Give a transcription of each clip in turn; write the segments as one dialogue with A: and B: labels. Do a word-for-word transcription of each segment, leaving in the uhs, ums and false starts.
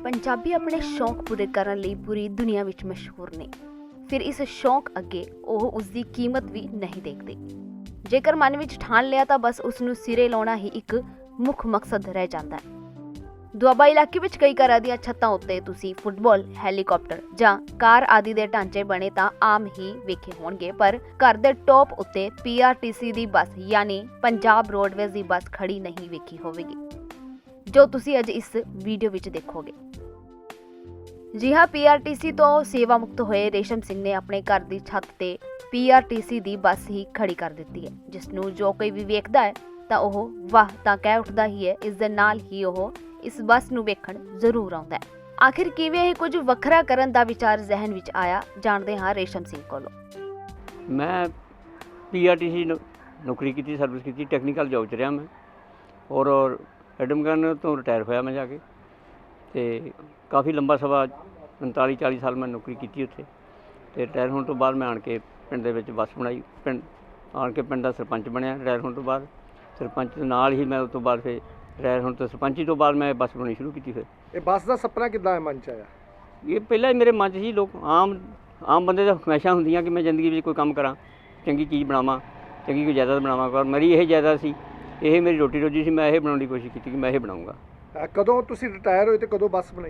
A: पंजाबी अपने शौक पूरे करने ਲਈ पूरी दुनिया ਵਿੱਚ मशहूर ने। फिर इस शौक ਅੱਗੇ ਉਹ ਉਸਦੀ ਕੀਮਤ ਵੀ ਨਹੀਂ ਦੇਖਦੇ। ਜੇਕਰ ਮਨ ਵਿੱਚ ਠਾਣ ਲਿਆ ਤਾਂ ਬਸ ਉਸ ਨੂੰ ਸਿਰੇ ਲਾਉਣਾ ਹੀ ਇੱਕ ਮੁੱਖ ਮਕਸਦ ਰਹਿ ਜਾਂਦਾ ਹੈ। ਦੁਆਬਾ ਇਲਾਕੇ ਵਿੱਚ ਕਈ ਘਰਾਂ ਦੀਆਂ ਛੱਤਾਂ ਉੱਤੇ ਤੁਸੀਂ ਫੁੱਟਬਾਲ, ਹੈਲੀਕਾਪਟਰ ਜਾਂ ਕਾਰ ਆਦਿ ਦੇ ਢਾਂਚੇ ਬਣੇ ਤਾਂ ਆਮ ਹੀ ਵੇਖੇ ਹੋਣਗੇ, ਪਰ ਘਰ ਦੇ ਟੌਪ ਉੱਤੇ ਪੀ ਆਰ ਟੀ ਸੀ ਦੀ ਬੱਸ ਯਾਨੀ ਪੰਜਾਬ ਰੋਡਵੇਜ਼ ਦੀ ਬੱਸ ਖੜੀ ਨਹੀਂ ਵੇਖੀ ਹੋਵੇਗੀ, ਜੋ ਤੁਸੀਂ ਅੱਜ ਇਸ ਵੀਡੀਓ ਵਿੱਚ ਦੇਖੋਗੇ। ਜੀ ਹਾਂ, ਪੀ ਆਰ ਟੀ ਸੀ ਤੋਂ ਸੇਵਾ ਮੁਕਤ ਹੋਏ ਰੇਸ਼ਮ ਸਿੰਘ ਨੇ ਆਪਣੇ ਘਰ ਦੀ ਛੱਤ ਤੇ ਪੀ ਆਰ ਟੀ ਸੀ ਦੀ ਬੱਸ ਹੀ ਖੜੀ ਕਰ ਦਿੱਤੀ ਹੈ, ਜਿਸ ਨੂੰ ਜੋ ਕੋਈ ਵੀ ਵੇਖਦਾ ਹੈ ਤਾਂ ਉਹ ਵਾਹ ਤਾਂ ਕਹਿ ਉੱਠਦਾ ਹੀ ਹੈ। ਇਸ ਦੇ ਨਾਲ ਹੀ ਉਹ ਇਸ ਬੱਸ ਨੂੰ ਵੇਖਣ ਜ਼ਰੂਰ ਆਉਂਦਾ ਹੈ। ਆਖਿਰ ਕਿਵੇਂ ਇਹ ਕੁਝ ਵੱਖਰਾ ਕਰਨ ਦਾ ਵਿਚਾਰ ਜ਼ਿਹਨ ਵਿੱਚ ਆਇਆ, ਜਾਣਦੇ ਹਾਂ ਰੇਸ਼ਮ ਸਿੰਘ ਕੋਲੋਂ।
B: ਮੈਂ ਪੀ ਆਰ ਟੀ ਸੀ ਨੌਕਰੀ ਕੀਤੀ, ਸਰਵਿਸ ਕੀਤੀ, ਟੈਕਨੀਕਲ ਜੋਬ 'ਚ ਰਿਹਾ ਮੈਂ, ਔਰ ਐਡਮਗਨ ਤੋਂ ਰਿਟਾਇਰ ਹੋਇਆ ਮੈਂ ਜਾ ਕੇ, ਅਤੇ ਕਾਫੀ ਲੰਬਾ ਸਮਾਂ ਪੰਤਾਲੀ ਚਾਲੀ ਸਾਲ ਮੈਂ ਨੌਕਰੀ ਕੀਤੀ ਉੱਥੇ। ਅਤੇ ਰਿਟਾਇਰ ਹੋਣ ਤੋਂ ਬਾਅਦ ਮੈਂ ਆਣ ਕੇ ਪਿੰਡ ਦੇ ਵਿੱਚ ਬੱਸ ਬਣਾਈ, ਪਿੰਡ ਆਣ ਕੇ ਪਿੰਡ ਦਾ ਸਰਪੰਚ ਬਣਿਆ ਰਿਟਾਇਰ ਹੋਣ ਤੋਂ ਬਾਅਦ। ਸਰਪੰਚ ਦੇ ਨਾਲ ਹੀ ਮੈਂ ਉਸ ਤੋਂ ਬਾਅਦ ਫਿਰ ਰਿਟਾਇਰ ਹੋਣ ਤੋਂ ਸਰਪੰਚੀ ਤੋਂ ਬਾਅਦ ਮੈਂ ਬੱਸ ਬਣਾਉਣੀ ਸ਼ੁਰੂ ਕੀਤੀ। ਫਿਰ
C: ਇਹ ਬੱਸ ਦਾ ਸੁਪਨਾ ਕਿੱਦਾਂ ਮਨ 'ਚ ਆਇਆ?
B: ਇਹ ਪਹਿਲਾਂ ਹੀ ਮੇਰੇ ਮਨ 'ਚ ਸੀ। ਲੋਕ ਆਮ ਆਮ ਬੰਦੇ ਦਾ ਹਮੇਸ਼ਾ ਹੁੰਦੀਆਂ ਕਿ ਮੈਂ ਜ਼ਿੰਦਗੀ ਵਿੱਚ ਕੋਈ ਕੰਮ ਕਰਾਂ, ਚੰਗੀ ਚੀਜ਼ ਬਣਾਵਾਂ, ਚੰਗੀ ਕੋਈ ਜਾਇਦਾਦ ਬਣਾਵਾਂ, ਪਰ ਮੇਰੀ ਇਹ ਜਾਇਦਾਦ ਸੀ, ਇਹ ਮੇਰੀ ਰੋਟੀ ਰੋਜੀ ਸੀ। ਮੈਂ ਇਹ ਬਣਾਉਣ ਦੀ ਕੋਸ਼ਿਸ਼ ਕੀਤੀ ਕਿ ਮੈਂ ਇਹ ਬਣਾਊਂਗਾ।
C: ਕਦੋਂ ਤੁਸੀਂ ਰਿਟਾਇਰ ਹੋਏ ਅਤੇ ਕਦੋਂ ਬੱਸ ਬਣਾਈ?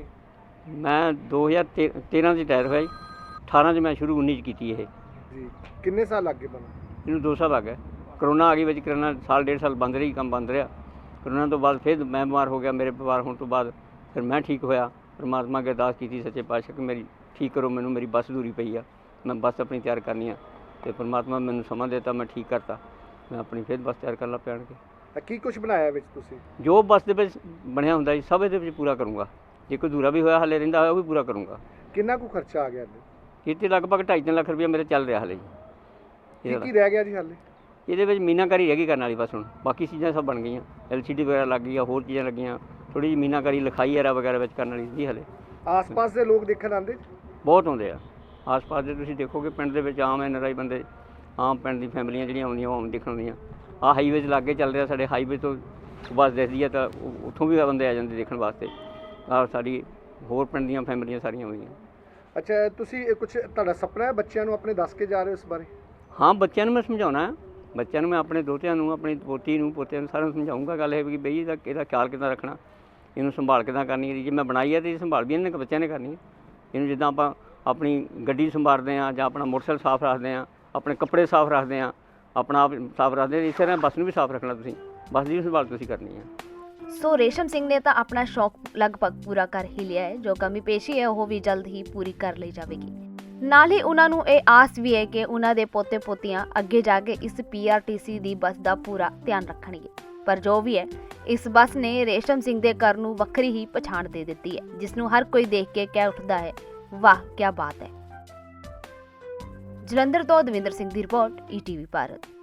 B: ਮੈਂ ਦੋ ਹਜ਼ਾਰ ਤੇ ਤੇਰ੍ਹਾਂ 'ਚ ਰਿਟਾਇਰ ਹੋਇਆ ਜੀ, ਅਠਾਰਾਂ 'ਚ ਮੈਂ ਸ਼ੁਰੂ ਉੱਨੀ 'ਚ ਕੀਤੀ ਇਹ।
C: ਜੀ, ਕਿੰਨੇ ਸਾਲ ਲੱਗ ਗਏ ਬਣਨ?
B: ਇਹਨੂੰ ਦੋ ਸਾਲ ਲੱਗ ਗਏ। ਕਰੋਨਾ ਆ ਗਈ ਵਿੱਚ, ਕਰੋਨਾ ਸਾਲ ਡੇਢ ਸਾਲ ਬੰਦ ਰਹੀ, ਕੰਮ ਬੰਦ ਰਿਹਾ। ਕਰੋਨਾ ਤੋਂ ਬਾਅਦ ਫਿਰ ਮੈਂ ਬਿਮਾਰ ਹੋ ਗਿਆ। ਮੇਰੇ ਬਿਮਾਰ ਹੋਣ ਤੋਂ ਬਾਅਦ ਫਿਰ ਮੈਂ ਠੀਕ ਹੋਇਆ। ਪਰਮਾਤਮਾ ਅੱਗੇ ਅਰਦਾਸ ਕੀਤੀ ਸੱਚੇ ਪਾਤਸ਼ਾਹ ਕਿ ਮੇਰੀ ਠੀਕ ਕਰੋ ਮੈਨੂੰ, ਮੇਰੀ ਬੱਸ ਅਧੂਰੀ ਪਈ ਆ, ਮੈਂ ਬੱਸ ਆਪਣੀ ਤਿਆਰ ਕਰਨੀ ਆ। ਅਤੇ ਪਰਮਾਤਮਾ ਮੈਨੂੰ ਸਮਾਂ ਦਿੱਤਾ, ਮੈਂ ਠੀਕ ਕਰਤਾ, ਮੈਂ ਆਪਣੀ ਫਿਰ ਬੱਸ ਤਿਆਰ ਕਰਨ ਲੱਗ ਪਿਆ। ਕੇ
C: ਕੀ ਕੁਛ ਬਣਾਇਆ ਵਿੱਚ ਤੁਸੀਂ?
B: ਜੋ ਬੱਸ ਦੇ ਵਿੱਚ ਬਣਿਆ ਹੁੰਦਾ ਜੀ ਸਭ ਇਹਦੇ ਵਿੱਚ ਪੂਰਾ ਕਰੂੰਗਾ। ਜੇ ਕੋਈ ਅਧੂਰਾ ਵੀ ਹੋਇਆ ਹਾਲੇ ਰਹਿੰਦਾ ਹੋਇਆ ਉਹ ਵੀ ਪੂਰਾ ਕਰੂੰਗਾ।
C: ਕਿੰਨਾ ਕੁ ਖਰਚਾ ਆ ਗਿਆ ਇਹਦੇ?
B: ਇਹ 'ਤੇ ਲਗਭਗ ਢਾਈ ਤਿੰਨ ਲੱਖ ਰੁਪਇਆ ਮੇਰੇ ਚੱਲ ਰਿਹਾ ਹਾਲੇ ਜੀ।
C: ਕੀ ਕੀ ਰਹਿ ਗਿਆ ਜੀ ਹਾਲੇ?
B: ਇਹਦੇ ਵਿੱਚ ਮੀਨਾਕਾਰੀ ਰਹਿ ਗਈ ਕਰਨ ਵਾਲੀ ਬਸ। ਹੁਣ ਬਾਕੀ ਚੀਜ਼ਾਂ ਸਭ ਬਣ ਗਈਆਂ, ਐਲ ਸੀ ਡੀ ਵਗੈਰਾ ਲੱਗ ਗਈ ਆ, ਹੋਰ ਚੀਜ਼ਾਂ ਲੱਗੀਆਂ, ਥੋੜ੍ਹੀ ਜਿਹੀ ਮੀਨਾਕਾਰੀ ਲਿਖਾਈ ਐਰਾ ਵਗੈਰਾ ਵਿੱਚ ਕਰਨ ਵਾਲੀ ਸੀ ਹਾਲੇ।
C: ਆਸ ਪਾਸ ਦੇ ਲੋਕ ਦੇਖਣ ਆਉਂਦੇ?
B: ਬਹੁਤ ਆਉਂਦੇ ਆ ਆਸ ਪਾਸ ਦੇ। ਤੁਸੀਂ ਦੇਖੋਗੇ ਪਿੰਡ ਦੇ ਵਿੱਚ ਆਮ ਐਨ ਆਰ ਆਈ ਬੰਦੇ, ਆਮ ਪਿੰਡ ਦੀ ਫੈਮਲੀਆਂ ਜਿਹੜੀਆਂ ਆਉਂਦੀਆਂ ਉਹ ਆਮ ਦੇਖਣ ਆਉਂਦੀਆਂ। ਆਹ ਹਾਈਵੇ 'ਚ ਲਾਗੇ ਚੱਲ ਰਿਹਾ ਸਾਡੇ, ਹਾਈਵੇ ਤੋਂ ਬੱਸ ਦਿਖਦੀ ਹੈ ਤਾਂ ਉੱਥੋਂ ਵੀ ਬੰਦੇ ਆ ਜਾਂਦੇ ਦੇਖਣ ਵਾਸਤੇ। ਆਹ ਸਾਡੀ ਹੋਰ ਪਿੰਡ ਦੀਆਂ ਫੈਮਲੀਆਂ ਸਾਰੀਆਂ ਹੋਈਆਂ।
C: ਅੱਛਾ, ਤੁਸੀਂ ਇਹ ਕੁਛ ਤੁਹਾਡਾ ਸੁਪਨਾ ਹੈ ਬੱਚਿਆਂ ਨੂੰ ਆਪਣੇ ਦੱਸ ਕੇ ਜਾ ਰਹੇ ਹੋ ਇਸ ਬਾਰੇ?
B: ਹਾਂ, ਬੱਚਿਆਂ ਨੂੰ ਮੈਂ ਸਮਝਾਉਣਾ, ਬੱਚਿਆਂ ਨੂੰ ਮੈਂ ਆਪਣੇ ਦੋਤਿਆਂ ਨੂੰ, ਆਪਣੀ ਪੋਤੀ ਨੂੰ, ਪੋਤਿਆਂ ਨੂੰ ਸਾਰਿਆਂ ਨੂੰ ਸਮਝਾਊਂਗਾ। ਗੱਲ ਇਹ ਵੀ ਬਈ ਇਹਦਾ ਇਹਦਾ ਖਿਆਲ ਕਿੱਦਾਂ ਰੱਖਣਾ, ਇਹਨੂੰ ਸੰਭਾਲ ਕਿੱਦਾਂ ਕਰਨੀ ਹੈ। ਜੇ ਮੈਂ ਬਣਾਈ ਹੈ ਤਾਂ ਇਹ ਸੰਭਾਲ ਵੀ ਇਹਨਾਂ ਨੇ ਬੱਚਿਆਂ ਨੇ ਕਰਨੀ ਹੈ। ਇਹਨੂੰ ਜਿੱਦਾਂ ਆਪਾਂ ਆਪਣੀ ਗੱਡੀ ਸੰਭਾਲਦੇ ਹਾਂ ਜਾਂ ਆਪਣਾ ਮੋਟਰਸਾਈਕਲ ਸਾਫ਼ ਰੱਖਦੇ ਹਾਂ, ਆਪਣੇ ਕੱਪੜੇ ਸਾਫ਼ ਰੱਖਦੇ ਹਾਂ, ਆਪਣਾ ਆਪ ਸਾਫ਼ ਰੱਖਦੇ ਹਾਂ, ਇਸੇ ਤਰ੍ਹਾਂ ਬੱਸ ਨੂੰ ਵੀ ਸਾਫ਼ ਰੱਖਣਾ। ਤੁਸੀਂ ਬੱਸ ਦੀ ਸੰਭਾਲ ਤੁਸੀਂ ਕਰਨੀ ਹੈ।
A: ਸੋ ਰੇਸ਼ਮ ਸਿੰਘ ਨੇ ਤਾਂ ਆਪਣਾ ਸ਼ੌਕ ਲਗਭਗ ਪੂਰਾ ਕਰ ਹੀ ਲਿਆ ਹੈ। ਜੋ ਕਮੀ ਪੇਸ਼ੀ ਹੈ ਉਹ ਵੀ ਜਲਦ ਹੀ ਪੂਰੀ ਕਰ ਲਈ ਜਾਵੇਗੀ। ਨਾਲ ਹੀ ਉਹਨਾਂ ਨੂੰ ਇਹ ਆਸ ਵੀ ਹੈ ਕਿ ਉਹਨਾਂ ਦੇ ਪੋਤੇ ਪੋਤੀਆਂ ਅੱਗੇ ਜਾ ਕੇ ਇਸ ਪੀ ਆਰ ਟੀ ਸੀ ਦੀ ਬੱਸ ਦਾ ਪੂਰਾ ਧਿਆਨ ਰੱਖਣਗੇ। ਪਰ ਜੋ ਵੀ ਹੈ, ਇਸ ਬੱਸ ਨੇ ਰੇਸ਼ਮ ਸਿੰਘ ਦੇ ਘਰ ਨੂੰ ਵੱਖਰੀ ਹੀ ਪਛਾਣ ਦੇ ਦਿੱਤੀ ਹੈ, ਜਿਸ ਨੂੰ ਹਰ ਕੋਈ ਦੇਖ ਕੇ ਕਹਿ ਉੱਠਦਾ ਹੈ, ਵਾਹ ਕੀ ਬਾਤ ਹੈ। ਜਲੰਧਰ ਤੋਂ ਦਵਿੰਦਰ ਸਿੰਘ ਦੀ report, E T V Bharat.